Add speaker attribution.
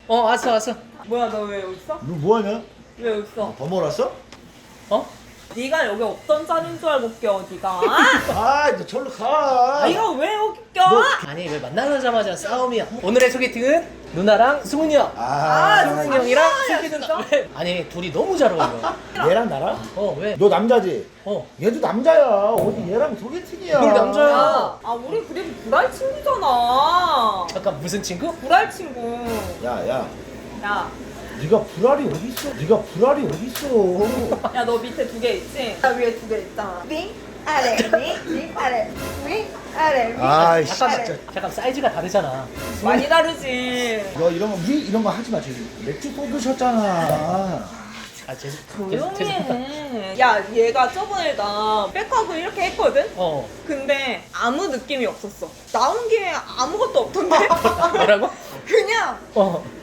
Speaker 1: 왔어 왔어.
Speaker 2: 뭐야 너 왜 여기 있어?
Speaker 3: 너 뭐하냐?
Speaker 2: 왜 여기 있어?
Speaker 3: 더 몰았어?
Speaker 1: 어?
Speaker 2: 네가 여기 없던 자리인 줄 알고 껴 네가.
Speaker 3: 아, 너 절로 가.
Speaker 2: 네가 왜 여기 껴?
Speaker 1: 아니 왜 만나자마자 싸움이야? 오늘의 소개팅은 누나랑 승훈이 형. 승훈이 형이랑 슬기 누나. 왜? 아니 둘이 너무 잘 어울려.
Speaker 3: 얘랑 나랑?
Speaker 1: 왜?
Speaker 3: 너 남자지?
Speaker 1: 어.
Speaker 3: 얘도 남자야. 어디 얘랑 소개팅이야.
Speaker 1: 뭘 남자야?
Speaker 2: 아 우리 그래도 불알 친구잖아.
Speaker 1: 잠깐 무슨 친구?
Speaker 2: 불알 친구.
Speaker 3: 야, 야.
Speaker 2: 야.
Speaker 3: 네가 불알이 어디 있어? 네가 불알이 어디 있어?
Speaker 2: 야 너 밑에 두 개 있지? 나 위에 두 개 있잖아. 윙 아래 윙 아래 윙 아래 윙.
Speaker 3: 아이씨.
Speaker 1: 잠깐 사이즈가 다르잖아.
Speaker 2: 많이 다르지.
Speaker 3: 너 이런 거 우리 이런 거 하지 마. 지금 맥주 쏟으셨잖아.
Speaker 2: 조용히 해. 야 얘가 저번에 나 백하고 이렇게 했거든? 근데 아무 느낌이 없었어. 나온 게 아무것도 없던데?
Speaker 1: 뭐라고?
Speaker 2: 그냥